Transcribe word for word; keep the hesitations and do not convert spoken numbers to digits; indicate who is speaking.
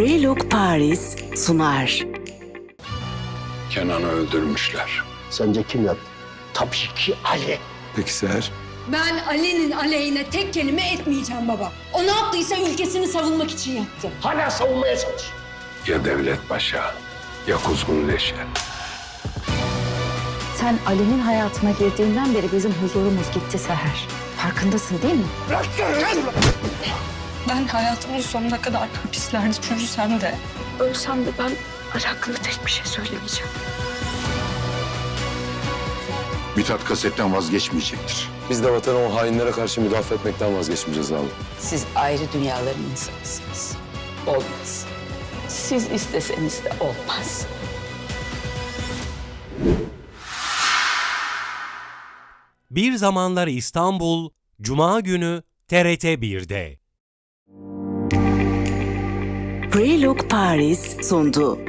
Speaker 1: Prelook Paris sunar.
Speaker 2: Kenan'ı öldürmüşler.
Speaker 3: Sence kim yaptı? Tabii ki Ali.
Speaker 2: Peki Seher?
Speaker 4: Ben Ali'nin aleyhine tek kelime etmeyeceğim baba. O ne yaptıysa ülkesini savunmak için yaptı.
Speaker 3: Hala savunmaya çalış.
Speaker 2: Ya Devlet Paşa, ya Kuzgun Leşe.
Speaker 5: Sen Ali'nin hayatına girdiğinden beri bizim huzurumuz gitti Seher. Farkındasın değil mi?
Speaker 6: Ben hayatımın sonuna kadar hapislerde çürüsem de, ölsem de ben Ali hakkında tek bir şey söylemeyeceğim.
Speaker 7: Mithat kasetten vazgeçmeyecektir.
Speaker 8: Biz de vatanı o hainlere karşı müdafaa etmekten vazgeçmeyeceğiz abi.
Speaker 9: Siz ayrı dünyaların insanısınız. Olmaz. Siz isteseniz de olmaz.
Speaker 10: Bir Zamanlar İstanbul, Cuma günü T R T bir'de.
Speaker 1: Prelook Paris sundu.